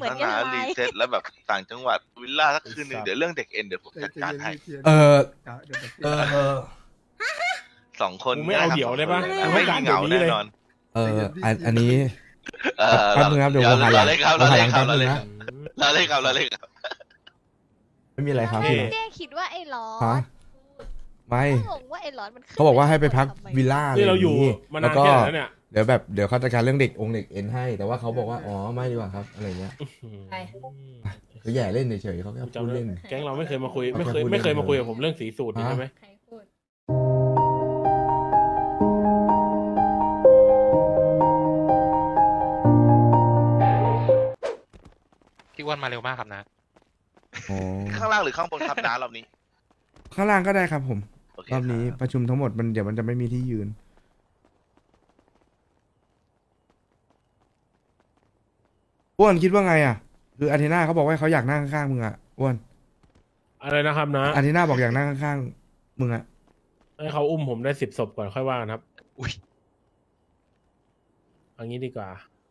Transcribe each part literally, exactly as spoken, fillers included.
เหมือนนากันนาไหมรีเซ็ตแล้วแบบต่างจังหวัดวิลล่าสักคืนหนึ่งเดี๋ยวเรื่องเด็กเอ็นเดี๋ยวผมจัดการให้เออเดี๋ยวเดี๋ยวเออเออสองคนกูไม่เอาเดี่ยวได้ปะง่ายๆไม่มีเหงาแน่นอนเอออันอันนี้เออแป๊บนึงครับเดี๋ยวผมหาหลัเรางเล่นครับเราเราหาหเล่ลันงครับแป๊บเรานึเล่งนนะเราเล่นครับเราเล่นครับไม่มีอะไรครับพี่เจ๊คิดว่าไอ้ร้อฮะนไม่งงว่าไอ้ร้อนมันขึ้นเขาบอกว่าให้ไปพักทำมวิลล่านี่เราอยู่ะไมาแล้นานวก็แค่ไหนแล้วเนี่ยเดี๋ยวแบบเดี๋ยวเขาจัดการเรื่องเด็กองค์เด็กเอ็นให้ แต่ว่าเขาบอกว่าอ๋อไม่ดีกว่าครับอะไรเงี้ยใช่ก็แย่เล่นเฉยๆเขาแค่พูดเล่นแก๊งเราไม่เคยมาคุยไม่เคยเขาแค่พูดไม่เคยเล่นมาคุยกับผมเรื่องสีสูตรนี่ฮะใช่ไหมใครพูดพี่อ้วนมาเร็วมากครับนะอ๋อข้างล่างหรือข้างบนครับน้ารอบนี้ข้างล่างก็ได้ครับผมโอเครอบนี้ครับประชุมทั้งหมดมันเดี๋ยวมันจะไม่มีที่ยืนอ้วนคิดว่าไงอ่ะ คืออาร์เทน่าเขาบอกว่าเขาอยากนั่งข้างๆมึงอ่ะอ้วนอะไรนะครับนะอาร์เทน่าบอกอยากนั่งข้างๆมึงอ่ะให้เขาอุ้มผมได้สิบศพก่อนค่อยว่ากันครับอุ้ยเอันนี้ดีกว่า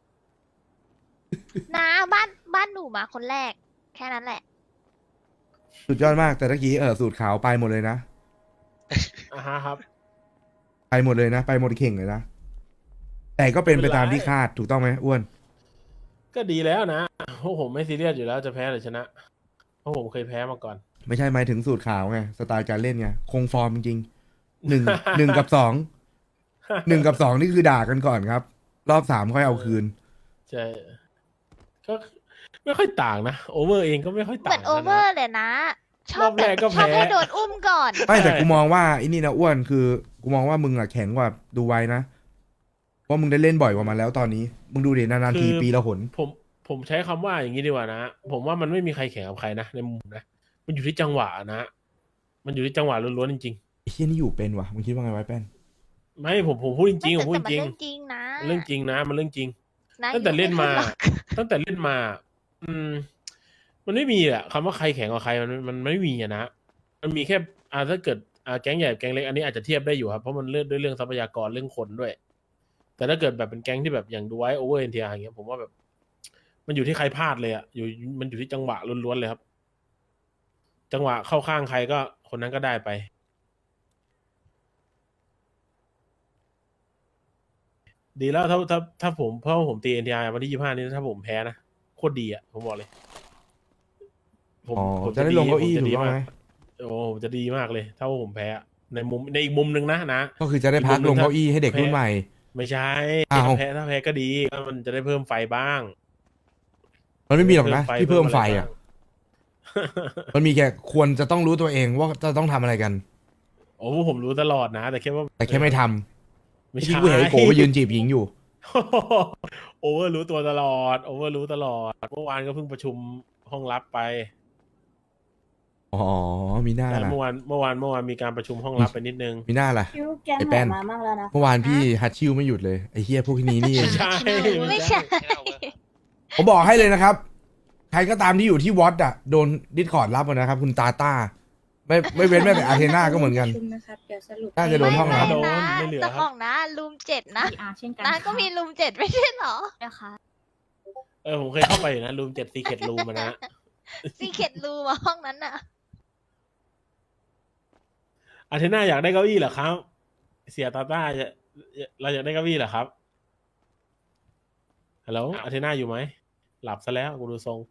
นะบ้านบ้านหนูมาคนแรก แค่นั้นแหละสุดยอดมากแต่ตะกี้เออสูตรขาวไปหมดเลยนะอ่าฮะครับไปหมดเลยนะ ไปหมดเข่งเลยนะ แต่ก็เป็นไปตามที่คาดถูกต้องไหมอ้วนก็ดีแล้วนะเพราะผมไม่ซีเรียสอยู่แล้วจะแพ้หรือชนะ เพราะผมเคยแพ้มาก่อนไม่ใช่หมายถึงสูตรขาวไงสไตล์การเล่นไงคงฟอร์มจริงๆหนึ่ง หนึ่งกับสองหนึ่งกับสองนี่คือด่ากันก่อนครับ รอบสามค่อยเอาคืนใช่ก็ไม่ค่อยต่างนะโอเวอร์เองก็ไม่ค่อยเหต่างมือนโอเวอร์เลยนะ ชอบรอบแรกก็ชอบแพ้ให้โดนอุ้มก่อนไม่แต่กูมองว่าไอ้นี่นะอ้วนคือกูมองว่ามึงอะแข็งกว่าดูไว้นะเพราะมึงได้เล่นบ่อยกว่ามันแล้วตอนนี้ มึงดูดินานๆทีปีละหนผมผมใช้คำว่าอย่างนี้ดีกว่านะ ผมว่ามันไม่มีใครแข่งกับใครนะในมุมนะ มันอยู่ที่จังหวะนะ มันอยู่ที่จังหวะล้วนๆจริงไอ้เฮียนี่อยู่เป็นวะมึงคิดว่าไงไว้แป้นๆ ไม่ผมผมพูดจริงๆผมพูดแต่จริงมันเรื่องจริงนะเรื่องจริงนะ มันเรื่องจริงนะตั้งแต่เล่นมาอยู่ไขึ้หรอกตั้งแต่เล่นมา อืม มันไม่มีอะคำว่าใครแข่งกับใครมันมันไม่มีอะนะ มันมีแค่อ่าถ้าเกิดอ่าแก๊งใหญ่แก๊งเล็กอันนี้อาจจะเทียบได้อยู่ครับเพราะมันเลือกด้วยเรื่องทรัพยากรเรื่องคนด้วย แต่ถ้าเกิดแบบเป็นแก๊งที่แบบอย่างดูไว้โอเวอร์เอ็นทีอาร์อย่างเงี้ยผมว่าแบบ มันอยู่ที่ใครพลาดเลยอะอยู่มันอยู่ที่จังหวะล้วนๆเลยครับ จังหวะเข้าข้างใครก็คนนั้นก็ได้ไป ดีแล้วถ้าถ้าถ้าผมเพราะว่าผมตีเอ็นทีอาร์วันที่ยี่ห้านี้ถ้าผมแพ้นะโคตรดีอะผมบอกเลย ผมอ๋อผมจะได้ลงเก้าอี้ผมจะถูดีกต้องมากไหมโอ้ผมจะดีมากเลย ถ้าว่าผมแพ้อะในมุมในอีกมุมหนึ่งนะนะก็คือจะได้พักลงเก้าอี้ให้เด็กรุ่นใหม่ไม่ใช่อ้าวถ้าแพ้ถ้าแพ้ก็ดีก็มันจะได้เพิ่มไฟบ้างมันไม่มีหรอกนะเพิ่มไฟที่เพิ่มไฟเพิ่มอะไรอ่ะบ้างมันมีแค่ควรจะต้องรู้ตัวเองว่าจะต้องทำอะไรกันโอ้ผมรู้ตลอดนะ แต่แค่ว่าแต่แค่ไม่ทำไม่ที่ใช่กูเห็นไอ้โกไปยืนจีบหญิงอยู่โอเวอร์รู้ตัวตลอดโอเวอร์รู้ตลอดเมื่อวานก็เพิ่งประชุมห้องลับไปอ๋อ มีหน้าแต่ล่ะเมื่อวานเมื่อวานเมื่อวานมีการประชุมห้องลับไปนิดนึงมีหน้าล่ะคิวแก๊งไอ้ไหแป้นนมามากแล้วนะเมื่อวานพี่ฮัตชิวไม่หยุดเลย ไอ้เฮียพวกนี้นี่เองไม่ใช่ไม่ใช่ผมบอกให้เลยนะครับ ใครก็ตามที่อยู่ที่วอตอ่ะ โดนดิสคอร์ดรับหมดนะครับ คุณตาต้า ไม่ไม่เว้นแม้แต่อาร์เทน่าก็เหมือนกันประชุมนะครับเดี๋ยวสรุปน่าจะโดนห้องน้ำโดนนะไม่เหลือแต่คขรัอบ งนะรูมเจ็ดนะพีอาร์เช่นกันนะก็มีรูมเจ็ดไม่ใช่เหรอนะคะเออผมเคยเข้าไปอยู่นะรูมเจ็ดซีเคทรูมนะซีเค็ดรูมอะห้องนั้นน่ะอาร์เทน่าอยากได้เก้าอี้เหรอครับ เสียตาต้าจะเราอยากได้เก้าอี้เหรอครับฮัลโหลอาร์เทน่าอยู่ไหมหลับซะแล้วกูดูทรง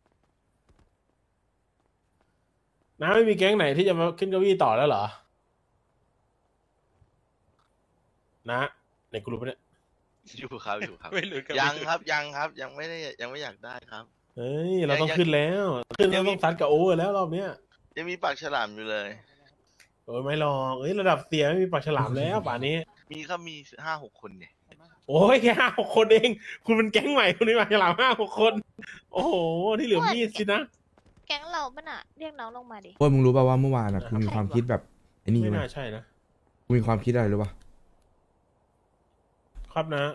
น้าไม่มีแก๊งไหนที่จะมาขึ้นเก้าอี้ต่อแล้วเหรอนะในกลุ่มเนี่ยอยู่ครับอยู่ครับไม่รู้กันยังครับยังครับยังไม่ได้ยังไม่อยากได้ครับเฮ้ยเราต้องขึ้นแล้ว ขึ้นแล้วต้องซัดกับโอเวอร์แล้วรอบเนี้ยยังมีปากฉลามอยู่เลยโอ้ยไม่หรอกเอ้ยระดับเสียไม่มีปากฉลามแล้วป่านนี้มีครับมีห้าหกคนเนี่ยโอ้ยแค่ห้าหกคนเอง คุณเป็นแก๊งใหม่คุณมีปากฉลามห้าหกคน โอ้โหที่เหลือมีดสินะแก๊งเราปะน่ะเรียกน้องลงมาดิพวกมึงรู้ป่าวว่าเมื่อวานอ่ะกูมีความคิดแบบไอ้นี่ไม่ไหมน่าใช่นะกูมีความคิดอะไรรู้ป่ะครับนะ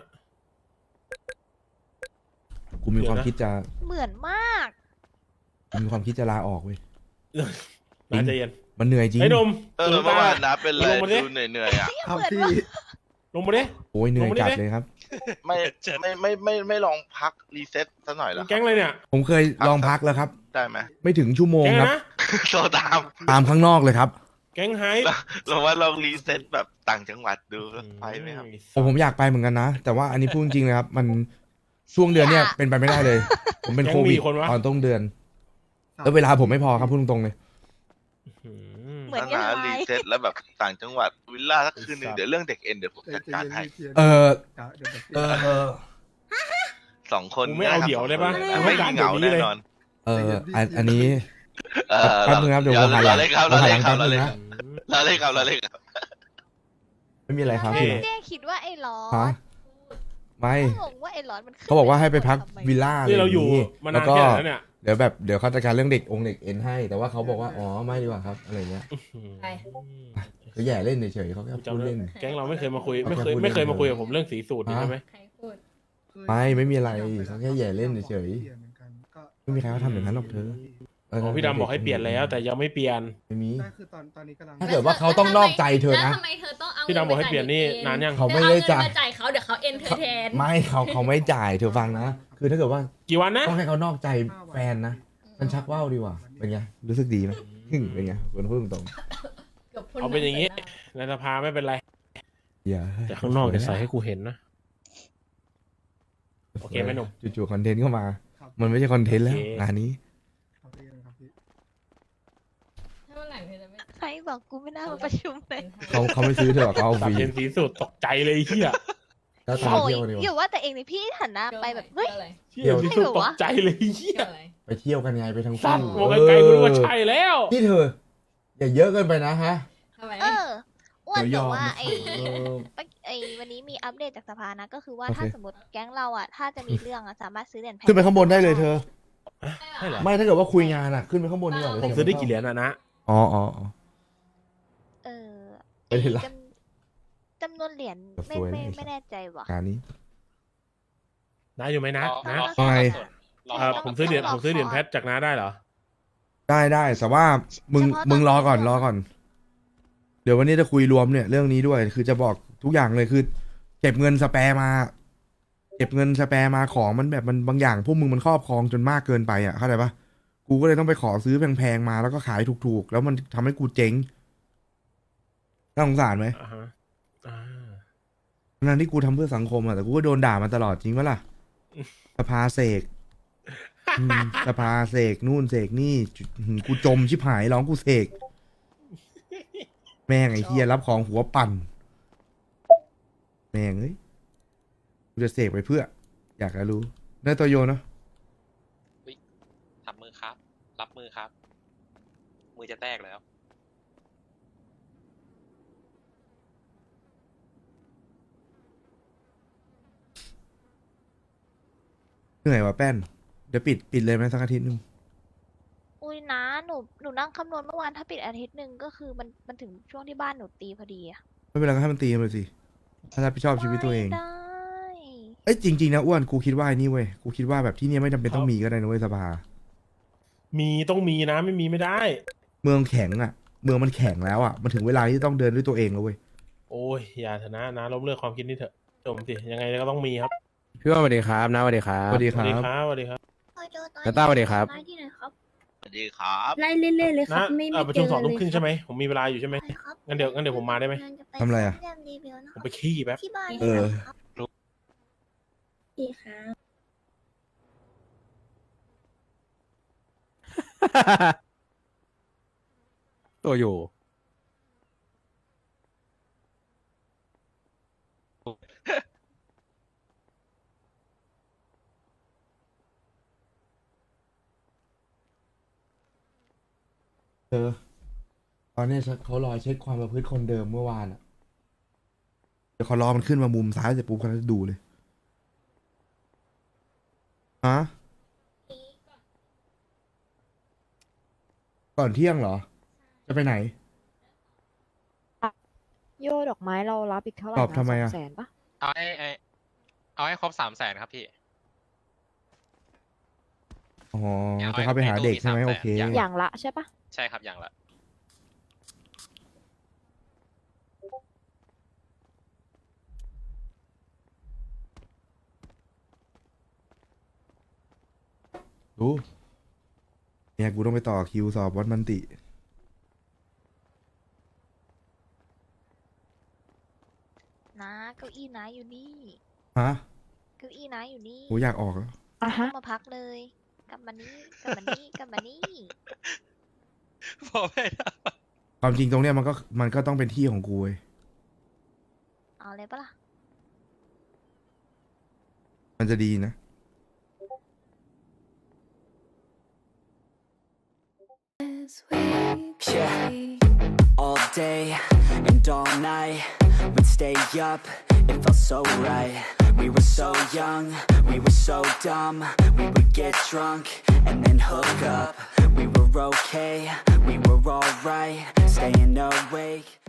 กูมีความคิดจะเหมือนมากกูมีความคิดจะลาออกเว้ยน่าจะเย็นมันเหนื่อยจริงไอ้หนมเออลืมเมื่อตาวานนะเป็นไรลงมาดิดูเหนื่อยๆอ่ะครับพี่ลงมาดิโอ้ยเหนื่อยลงมาดิจัดเลยครับไม่ไม่ไม่ไม่ไม่ลองพักรีเซ็ตซะหน่อยเหรอแก๊งอะไรเนี่ยผมเคยลองพักแล้วครับได้ไหมไม่ถึงชั่วโมงแก๊งครับนะโทรตามตามข้างนอกเลยครับแก๊งไฮเราว่าลองรีเซ็ตแบบต่างจังหวัดดูไปไหมครับผมผมอยากไปเหมือนกันนะ แต่ว่าอันนี้พูดจริงๆเลยครับ มันช่วงเดือนเนี้ยเป็นไปไม่ได้เลย ผมเป็นโควิดตอนต้นเดือน แล้วเวลาผมไม่พอครับพูดตรงๆเลยอืมเหมือนถ้ากันหาเลรียเซ็ตแล้วแบบต่างจังหวัดวิลล่าสักคืนหนึ่งไอ้สัตว์เดี๋ยวเรื่องเด็กเอ็นเดี๋ยวผมจัดการให้เออเดี๋ยวเดี๋ยวเออเออสองคนกูไม่เอาเดี่ยวได้ปะสองคนกูไม่ไม่กล้ามีเหงาเดี๋ยวนี้แน่เลยนอนเอออันอันนี้เออแป๊บนึงครับเดี๋ยวผมหาหลังเราเล่นครับผมเราหาหเล่ลันงครับแป๊บเรานึเล่งนนะเราเล่นครับเราเล่นครับไม่มีอะไรครับโอเคพี่เจ๊คิดว่าไอ้ร้อฮะนไม่งงว่าไอ้ร้อนมันขึ้นเขาบอกว่าให้ไปพักทำมวิลล่านี่เราอยู่ะไมานาแล้นวก็แค่ไหนแล้วเนี่ยเดี๋ยวแบบเดี๋ยวเขาจัดการเรื่องเด็กองค์เด็กเอ็นให้ แต่ว่าเขาบอกว่าอ๋อไม่ดีกว่าครับอะไรเงี้ยใช่เขาแย่เล่นเฉยๆเขาแค่กูพูดจำได้เล่นแก๊งเราไม่เคยมาคุยเขาไม่แค่เคยพูดไม่เคยเล่นมาคุยกับผมเรื่องสีสูตรนี่ฮะใช่ไหมใครพูดไม่ไม่มีอะไรเขาแค่แย่เล่นเฉย ไม่มีใครเขาทำอย่างนั้นหรอกเธอ เอ๋อพี่ดำบอกให้เปลี่ยนแล้ว แต่ยังไม่เปลี่ยนไม่มีได้คือตอนตอนนี้กำลังถ้าเกิดว่าเขาต้องนอกใจเธอแล้วนะทำไมเธอต้องเอาพี่ดำบอกให้เปลี่ยนนี่นานยังเขาไม่ได้จ่ายเธอเอเงินมาจ่ายเขาเดี๋ยวเขาเอ็นเธอแทนไม่เขาเขาไม่จ่ายเธอฟังนะ คือถ้าเกิดว่ากี่วันนะต้องให้เขานอกใจแฟนนะ มันชักว่าวดีกว่า เป็นไง รู้สึกดีไหมหึ่งเป็นไงคนพูดตรงกืบพ่เอาเป็นอย่างงี้ ในสภาไม่เป็นไรๆอย่าแต่ข้างนอกจะใส่ให้กูเห็นนะ โอเคไหมหนุ่มจู่ๆคอนเทนต์เข้ามา มันไม่ใช่คอนเทนต์แล้วโอเคงานนี้ครับพี่ครับพี่ถ้าวันหลังเธอจะไม่ใครบอกกูไม่น่ามาประชุมเลยเขาเขาไม่ซื้อเธอหรอกเขาเอาฟสับรีเทนสีสูตรตกใจเลยไอ้เฮียแล้วตามโอ้ยเที่ยวดีกอย่าว่าว่าแต่เองนี่พี่หันหน้าไปแบบเฮ้ยเที่ยวอะไรเฮียสีสูตรตกใจเลยไอ้เฮีเที่ยยวอะไรไปเที่ยวกันไงไปทั้งสัคู่ตว์มองไกลๆกูนึกว่าใช่แล้วนี่เธอ อย่าเยอะเกินไปนะฮะทำไมเอออ้วนเดี๋ยวแต่ยอมว่าไอ้เออไอ้วันนี้มีอัปเดตจากสภานะก็คือว่าโอเคถ้าสมมติแก๊งเราอ่ะถ้าจะมีเรื่องอ่ะสามารถซื้อเหรียญแพงขึ้นไปข้างบนได้เลยเธอใช่เหรอไม่ถ้าเกิดว่าคุยงานอ่ะ ขึ้นไปข้างบนดีกว่าผมซื้อได้กี่เหรียญอะนะอ๋ออ๋ออ๋อเออไม่ได้ละจำจำนวนเหรียญไม่สวยนะไม่ไอ้สัสไม่แน่ใจว่ะงานนี้น้าอยู่ไหมนะนะรอว่าไงรอเอ่อผมซื้อเหรียญผมซื้อเหรียญแพทจากน้าได้เหรอได้ได้แต่ว่ามึงเฉพาะตอนมึงรอก่อนที่รเราอก่อน เดี๋ยววันนี้จะคุยรวมเนี่ยเรื่องนี้ด้วย คือจะบอกทุกอย่างเลยคือเก็บเงินสแปร์มา เก็บเงินสแปร์มาของมันแบบมันบางอย่างพวกมึงมันครอบครองจนมากเกินไปอ่ะเข้าใจปะกูก็เลยต้องไปขอซื้อแพงๆมาแล้วก็ขายถูกๆ แล้วมันทำให้กูเจ๊งน่าสงสารไหมอ่าฮะอ่าทั้งที่กูทำเพื่อสังคมอ่ะแต่กูก็โดนด่ามาตลอดจริงปะล่ะสภาเสกอืมสภาเสกนู่นเสกนี่จุหือกูจมชิบหายร้องกูเสกแม่งไอ้เฮียรับของหัวปั่น แม่งเอ้ยกูจะเสกไปเพื่อ อยากจะรู้ได้ตัวโยนเนอะทำมือครับ รับมือครับ มือจะแตกแล้วเหนื่อยว่ะแป้น เดี๋ยวปิดปิดเลยไหมสักอาทิตย์หนึงอุ้ยนะหนูหนูนั่งคำนวณเมื่อวานถ้าปิดอาทิตย์หนึ่งก็คือมันมันถึงช่วงที่บ้านหนูตีพอดีอะไม่เป็นไรก็ให้มันตีมันไปสิถ้ารับผิดชอบชีวิตตัวเองไม่ได้เอ้ยจริงๆนะอ้วนกูคิดว่าไอ้นี่เว้ยกูคิดว่าแบบที่เนี่ยไม่จำเป็นต้องมีก็ได้นะเว้ยสภามีต้องมีนะไม่มีไม่ได้เมืองแข็งอ่ะ เมืองมันแข็งแล้วอ่ะมันถึงเวลาที่ต้องเดินด้วยตัวเองแล้วเว้ยโอ้ยอย่าเถอะนะนะล้มเลิกความคิดนี้เถอะจมสิยังไงก็ต้องมีครับพี่ว่าสวัสดีครับน้าสวัสดีครับสวัสดีสควัสรัดีบครับสวัสดีครับแล้วต้าสวัสดีครับที่ไหนครับสวัสดีครับไล่เรื่อยๆเลยครันะบ ไม่เอ่ไม่อประเจชุมอสองทุ่มเลยครึ่งใช่ไหมผมมีเวลาอยู่ใช่ไหมใช่ครับงั้นเดี๋ยวงั้นเดี๋ยวผมมาได้ไหมทำอะไรอะเรื่องรีวิวนะผมไปขี้แป๊บที่บ้านเออดีครับตัวอยู่เออตอนนี้เขารอเช็คความประพฤติคนเดิมเมื่อวานอ่ะ เดี๋ยวเขารอมันขึ้นมามุมซ้ายเสร็จปุ๊บเขาจะดูเลยฮะก่อนเที่ยงเหรอ จะไปไหนโยดอกไม้เรารับอีกเท่าไหร่ตอบนะทำไมอะสองแสนปะเอาให้ไอ้เอาให้ครบสามแสนครับพี่อ๋อเอาจะเข้าไปหาเด็กใช่ไหมให้ตู้มีโอเคสามแสนอย่างละใช่ปะใช่ครับอย่างละเรู้เนี่ยกูต้องไปต่อคิวสอบวัดมันตินะเก้าอี้นะอยู่นี่ฮะเก้าอี้นะอยู่นี่กูอยากออกแล้วอ่ะฮะมาพักเลย กลับมานี่กลับมานี่กลับมานี่พอไม่ได้ความจริงตรงเนี้ยมันก็มันก็ต้องเป็นที่ของกูเว้ยเอาเลยปะล่ะมันจะดีนะ Yeah, all day and all night, we'd stay up, it felt so right. We were so young, we were so dumb, we would get drunk and then hook up. We were okay, we were alright, staying awake.